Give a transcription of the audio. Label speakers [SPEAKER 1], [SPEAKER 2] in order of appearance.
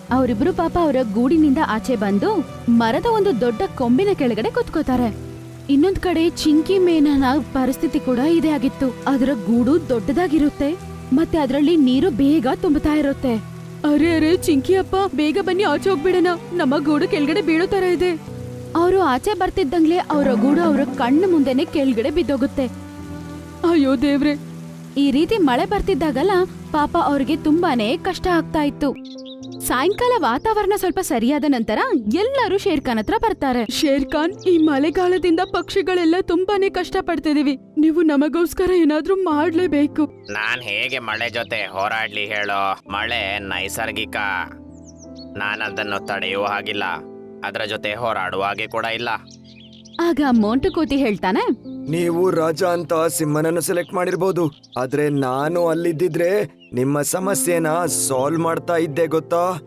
[SPEAKER 1] ಅವರಿಬ್ರು ಪಾಪ ಅವರ ಗೂಡಿನಿಂದ ಆಚೆ ಬಂದು ಮರದ ಒಂದು ದೊಡ್ಡ ಕೊಂಬಿನ ಕೆಳಗಡೆ ಕುತ್ಕೋತಾರೆ. ಇನ್ನೊಂದ್ ಕಡೆ ಚಿಂಕಿ ಮೇನನ ಪರಿಸ್ಥಿತಿ ಕೂಡ ಇದೇ ಆಗಿತ್ತು. ಅದರ ಗೂಡು ದೊಡ್ಡದಾಗಿರುತ್ತೆ ಮತ್ತೆ ಅದರಲ್ಲಿ ನೀರು ಬೇಗ ತುಂಬುತ್ತಾ ಇರುತ್ತೆ. ಅರೆ ಅರೆ ಚಿಂಕಿ ಅಪ್ಪ, ಬೇಗ ಬನ್ನಿ, ಆಚೆ ಹೋಗ್ಬಿಡೋಣ, ನಮ್ಮ ಗೂಡು ಕೆಳಗಡೆ ಬೀಳೋ ತರ ಇದೆ. ಅವರು ಆಚೆ ಬರ್ತಿದ್ದಂಗ್ಲೆ ಅವರ ಗೂಡು ಅವರ ಕಣ್ಣು ಮುಂದೆನೆ ಕೆಳಗಡೆ ಬಿದ್ದೋಗುತ್ತೆ. ಅಯ್ಯೋ ದೇವ್ರೆ! ಈ ರೀತಿ ಮಳೆ ಬರ್ತಿದ್ದಾಗಲ್ಲ ಪಾಪ ಅವ್ರಿಗೆ ತುಂಬಾನೇ ಕಷ್ಟ ಆಗ್ತಾ ಇತ್ತು. ಸಾಯಂಕಾಲ ವಾತಾವರಣ ಸ್ವಲ್ಪ ಸರಿಯಾದ ನಂತರ ಎಲ್ಲರೂ ಶೇರ್ ಖಾನ್ ಹತ್ರ ಬರ್ತಾರೆ. ಶೇರ್ ಖಾನ್, ಈ ಮಳೆಗಾಲದಿಂದ ಪಕ್ಷಿಗಳೆಲ್ಲ ತುಂಬಾನೇ ಕಷ್ಟ ಪಡ್ತಿದೀವಿ, ನೀವು ನಮಗೋಸ್ಕರ ಏನಾದ್ರೂ ಮಾಡ್ಲೇಬೇಕು.
[SPEAKER 2] ನಾನ್ ಹೇಗೆ ಮಳೆ ಜೊತೆ ಹೋರಾಡ್ಲಿ ಹೇಳೋ? ಮಳೆ ನೈಸರ್ಗಿಕ, ನಾನು ಅದನ್ನು ತಡೆಯುವ ಹಾಗಿಲ್ಲ, ಅದರ ಜೊತೆ ಹೋರಾಡುವ ಹಾಗೆ ಕೂಡ ಇಲ್ಲ.
[SPEAKER 1] ಆಗ ಮೋಂಟು ಕೋತಿ ಹೇಳ್ತಾನೆ,
[SPEAKER 3] ನೀವು ರಾಜ ಅಂತ ಸಿಂಹನನ್ನು ಸೆಲೆಕ್ಟ್ ಮಾಡಿರ್ಬೋದು, ಆದ್ರೆ ನಾನು ಅಲ್ಲಿದ್ದಿದ್ರೆ ನಿಮ್ಮ ಸಮಸ್ಯೆನ ಸಾಲ್ವ್ ಮಾಡ್ತಾ ಇದ್ದೆ ಗೊತ್ತಾ.